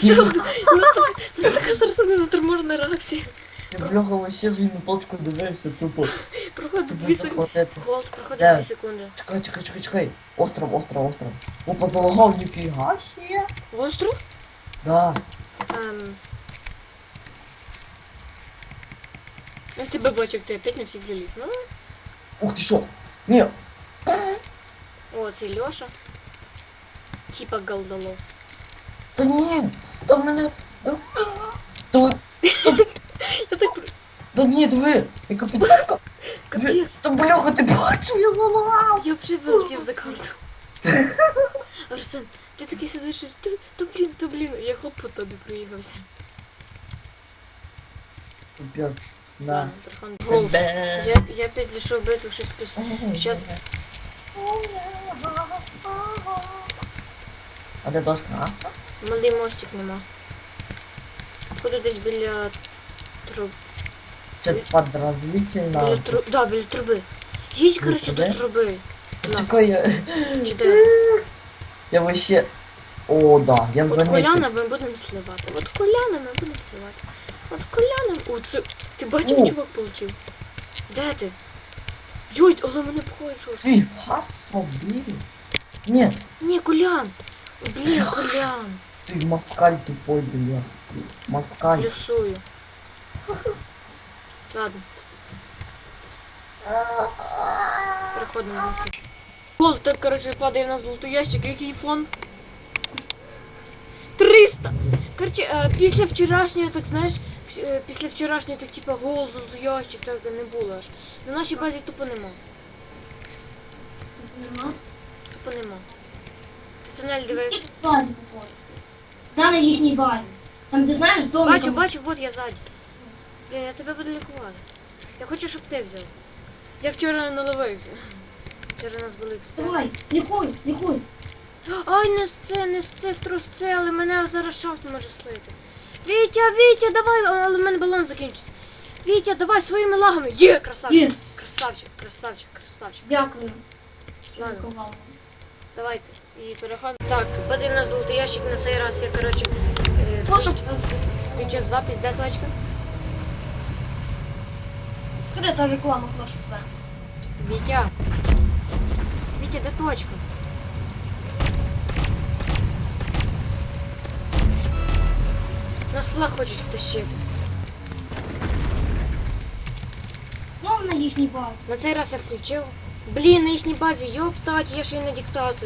що? Це така зараз незаторможена реакція. Я бляха вообще вже на точку дивився, тупо. Проходить 2 секунди. Захватити. Голд, проходить Де? 2 секунди. Чекай. Остров. Опа, залагав, ніфіга ще. Остров? Да. Я тебе бачив, ти опять на всіх заліз. Ну, Ух ти що? Ні. о, це Льоша. Типа голдолов. Та ні. Та мене. Та Я так... Да ні, диви. Яка підсумка. Капець. Та бляха, ти бачив, я залагав. Я вже вилетів за карту. Арсен, ти такий сидиш, щось, то блін, я хоп по тобі проїхався. Капець. Да. Ладно, Тархан. Гол. Себе. Я опять зайшов в битву, щось писав. Щас. А де дошка, а? Малий мостик нема. Походу десь біля труб. Це подразительно. Біля труб. Да, біля труби. Їдь, коротше, труби? до труби. Клас. Чекай, я... Чи де? Я вообще... О, да, я в От Коляна замісі. ми будемо сливати. От Коляна ми будемо сливати. От Коляна... О, це... Ти бачив, О. чувак полетів? Де ти? Йой, але мене пхають щось. Фіга собі. Ні, Ні, Колян. Блін, Колян. ти москаль тупой, бля. Москаль. Плюсую. Ладно. Переходимо на це. Гол, так, коротше, падає на золотий ящик. Який фонд? 300! Коротше, після вчорашнього, так знаєш, після вчорашнього, так типа гол, золотий ящик, так не було аж. На нашій базі тупо нема. Нема? Тупо нема. Ти тунель дивився? В базі походу. Да, на їхній базі. Там, де знаєш, дома. Бачу, вот я ззаді. Блін, я тебе буду лікувати. Я хочу, щоб ти взяв. Я вчора наливився. Вчора у нас були експерти. Давай, лікуй. Ай, не з це в трусце, але мене зараз шафт може слити. Вітя, давай, але в мене балон закінчиться. Вітя, давай своїми лагами. Є, красавчик. Єс. Красавчик. Дякую. Ладно, Лікувала. давайте. І переходимо. Так, падає на золотий ящик на цей раз. Я, коротше, включив запись, де точка? Скрита реклама Clash of Clans. Вітя, де точка? Нас флаг хочуть втащити. Знов на їхній базі. На цей раз я включив. Блін, на їхній базі, йоптать, я ще й на диктаторі.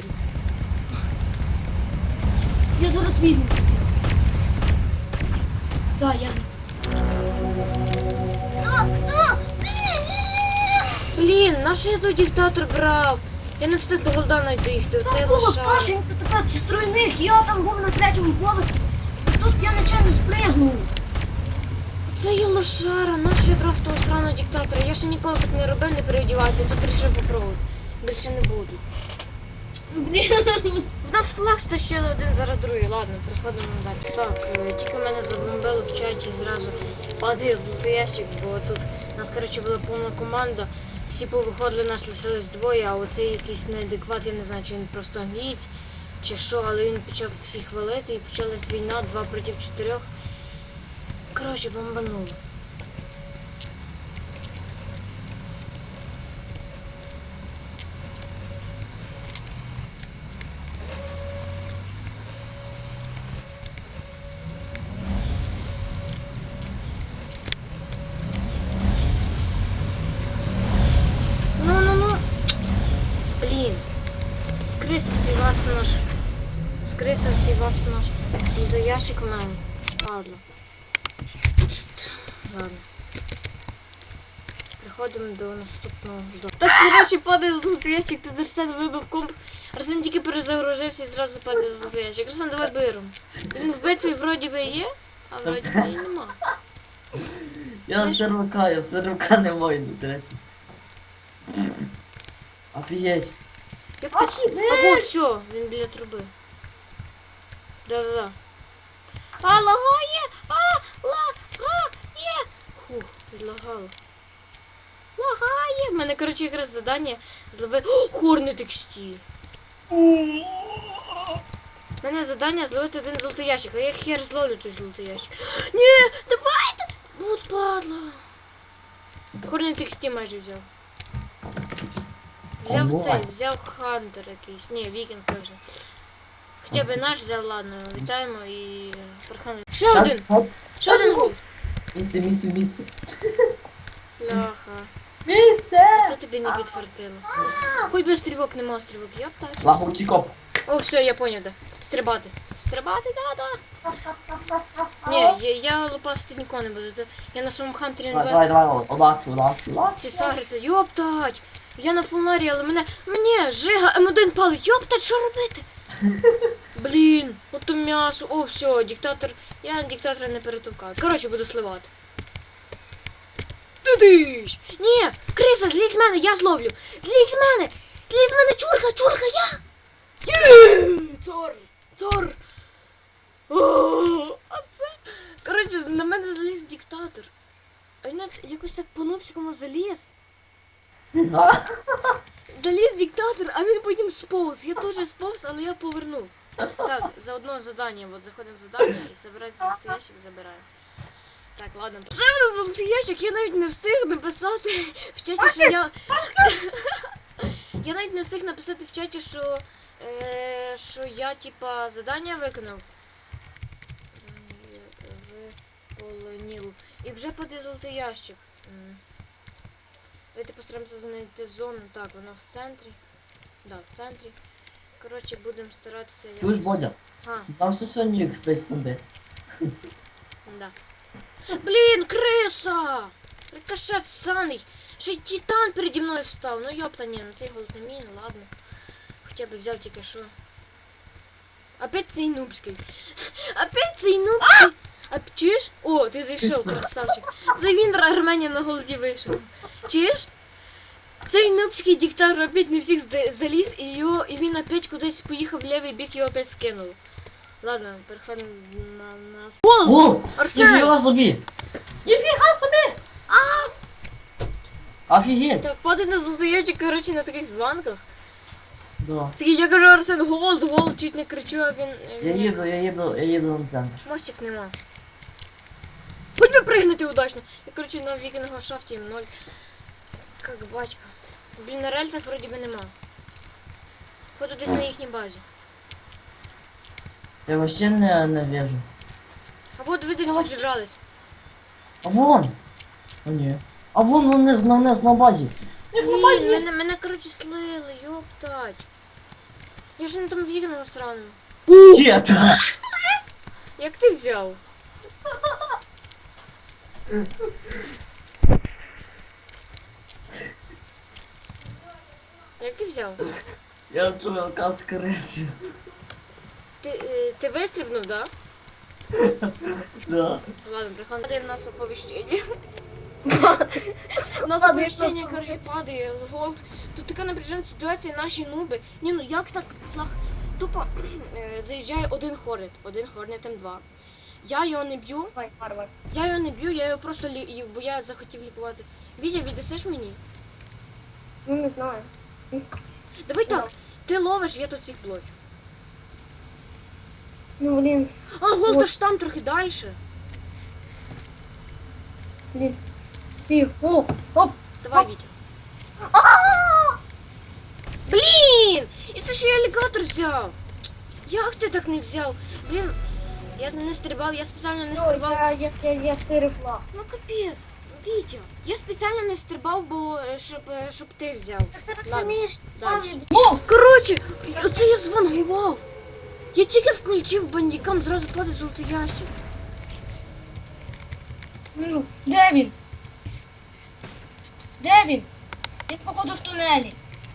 Я зараз візьму. Да, я. Блін, на що я той диктатор брав? Я не встиг до голда навіть доїхати, оцей лошар. Пашенька, така зі стройних, я там був на 3-му поверсі. Тут я нечайно спригнув. Це є лошара, на що я брав того сраного диктатора? Я ще ніколи так не робив, не переодівався, тут вирішив попробувати. Більше не буду. Блін. В нас флаг стащили один зараз другий, ладно, переходимо далі. Так, тільки мене забомбили в чаті, зразу падає золотий ящик, бо тут у нас, коротше, була повна команда. Всі повиходили, нас лишилось двоє, а оцей якийсь неадекват, я не знаю, чи він просто англієць, чи що, але він почав всіх валити і почалась війна 2 проти 4. Коротше, бомбануло. Ну. Блін. Скрився цей васп наш. До ящик в мене. Падла. Ладно. Переходимо до наступного. Так, коротше, падає золотий ящик, тут Арсен вибив комп. Арсен тільки перезагружився і зразу падає золотий ящик. Арсен, давай беремо. Він в битві вроді би є, а вроді би і нема. Я сервака не маю, до речі. Офігеть. Як ти... А вот, все, він біля труби. Да. А, лагає! Лагає! Фух, відлагало. Лагає! У мене, коротше, якраз завдання зловити... О, хорний текстиль! У мене завдання зловити один золотий ящик, а я хер зловлю той золотий ящик. Ні, давайте! Вот падла. Хорний тексті майже взяв. Взяв Ого. цей, взяв хантер якийсь. Ні, вікінг вже. Хоча б наш взяв, ладно, вітаємо і прохаємо. Ще один! Ще один гол! Місце. Ляха. Місце! Це тобі не підфартило. Хоч би стрілок, нема стрілок, я б так. Лагучий коп. О, все, я поняв, да. Стрибати. Стрибати, да. Ні, я лопасти нікого не буду. Я на своєму хантері не Давай, удачу. всі сагриться. Йоптать! Я на фулнарі, але мене жига М1 палить. Йоптать, що робити? Блін, ото м'ясо. О, все, диктатор. Я диктатора не перетовкав. Коротше, буду сливати. Тудиш! Ні, криса, злізь з мене, я зловлю. Злізь з мене! Злізь з мене, чурка, я! Цор! О, а це... Коротше, на мене заліз диктатор. А він якось так по-нубському заліз. Заліз диктатор, а він потім сповз. Я теж сповз, але я повернув. Так, за одно задання. От заходимо в задання і забирається золотий ящик, забираю. Так, ладно. Ще один золотий ящик, я навіть не встиг написати в чаті, що я... Я навіть не встиг написати в чаті, що я, типа, задання виконав. Виполонів. І вже падає золотий ящик. Давайте постараємося знайти зону. Так, вона в центрі. Да, в центрі. Коротше, будемо старатися Чуєш, Бодя? А, Ти знав, що сьогодні X5 фонди? да. Блін, криса! Рикошет саний! Ще й титан переді мною встав. Ну йопта, ні, на цей голод не мій, ладно. Хоча б взяв тільки що. Опять цей нубський. Опять цей нубський. А чуєш? О, ти зайшов, красавчик. Це він Арменія на голоді вийшов. Чуєш? Цей нубський диктатор опять не всіх заліз, і він опять кудись поїхав в лівий бік, його опять скинули. Ладно, переходимо на нас. О! Арсен! Ніфіга собі! Офігеть! Так, падай на золотий ящик, коротше, на таких званках. Да. Це я кажу, Арсен, голод, чуть не кричу, а він... Я їду на центр. Мостик нема. Хоч би пригнути удачно. Я, коротше, на вікінга шафті 0. Как батька. Блін, на рельсах вроді би нема. Ходу десь на їхній базі. Я вообще не вижу. А вот ви де всі зібрались. А вон! О, ні. А вон на базі. Блін, мене, коротше, слили, йоптать. Я ж не там вікінга сраного. Нет! Як ти взяв? Як ти взяв? Я чувака скресив. Ти вистрибнув, да? Да. Ладно, приходи в нас оповіщення. У нас оповіщення, коротше, падає, голд. Тут така напряжена ситуація, наші нуби. Ні, ну як так флаг? Тупо заїжджає один хорнет М2. Я його не б'ю. Я його просто бо я захотів лікувати. Вітя, віддасиш мені? Ну, не знаю. Давай так, ти ловиш, я тут всіх блочу. Ну, блін. А, голд аж там трохи далі. Блін. Всі. Оп. Давай, Вітя. Блін! І це ще я алігатор взяв. Як ти так не взяв? Блін, я не стрибав, я спеціально не стрибав. Я стирив флаг. Ну капець, Вітя. Я спеціально не стрибав, бо щоб ти взяв. Ладно, далі. О, коротше, оце я звангував. Я тільки включив бандікам, зразу падає золотий ящик. Ну, де він? Де він? Він, походу, в тунелі.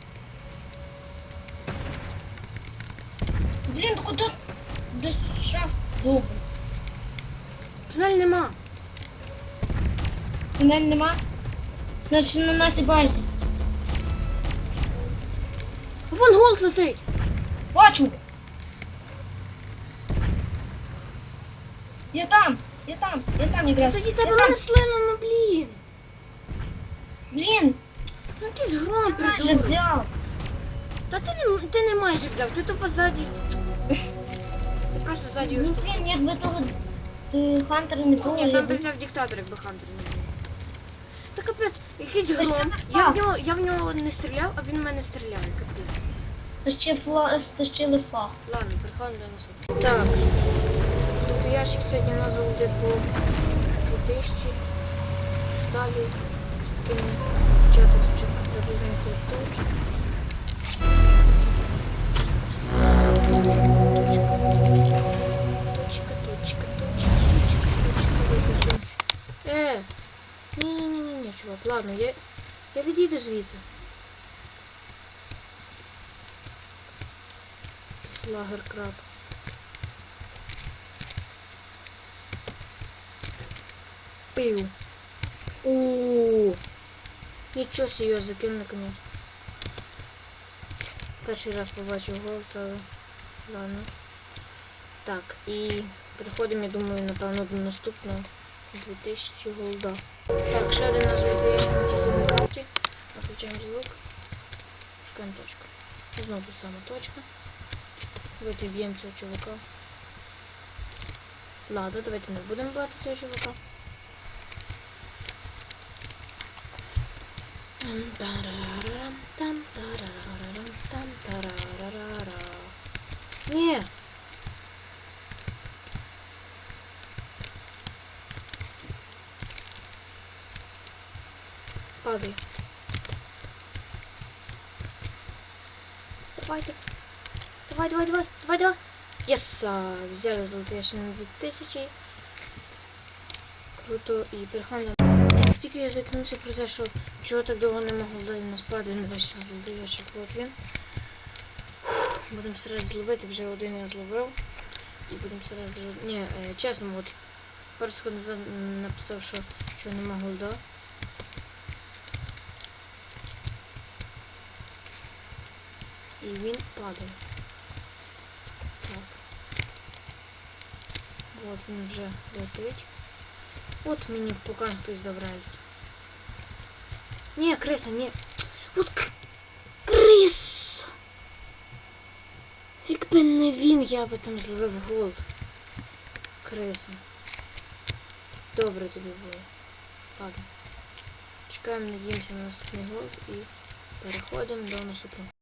Блін, ну куди? Де шафт? Добре. Тунель нема. Тунель нема? Значить, на нашій базі. Вон голд летить. Бачу! Я там якраз. Кстати, тебе мене слили, ну блін. Блін, Ну якийсь гром вже придумав. взяв. Та ти не майже взяв, ти тупо ззаді. просто ззаді його Ну, штовхнув. блін, якби того Хантера не було, Ні, я там би б... взяв диктатор, якби Хантер не був. Та капець, якийсь Та що гром. так? Я в нього не стріляв, а він в мене стріляє, капець. Стащили флаг. Ладно, переходимо до наступного. Так. Тут ящик сьогодні у нас буде по 2000. Далі спокійно почати спочатку треба знайти точку. Точка, виключимо. Ні, чувак, ладно, я відійду звідси. Якийсь лагер краб. Пив. Ууу. Нічого себе його закинули, конечно. Перший раз побачив голд, але ладно. Так, і переходимо, я думаю, напевно, до наступного 2000 голда. Так, ще один нас буде на тій самій карті. Включаємо звук. Шукаємо точку. Знову тут сама точка. Давайте б'ємо цього чувака. Ладно, давайте не будемо бити цього чувака. Ні! Падай. Давайте. Давай. Єса! Взяли золотий ящик на 2000. Круто. І переходимо. Тільки я закинувся про те, що чого так довго не могло дати нас падає на весь золотий ящик. От він. Будемо старатися зловити, вже один я зловив. І будемо старатися зловити. Ні, чесно, от пару секунд назад написав, що нема голда. І він падає. Так. От він вже летить. От мені в пукан хтось забирається. Ні, криса, ні. От крис! Якби не він, я би там зловив голд. Криса. Добре тобі було. Ладно. Чекаємо, надіємося на наступний голд і переходимо до наступного.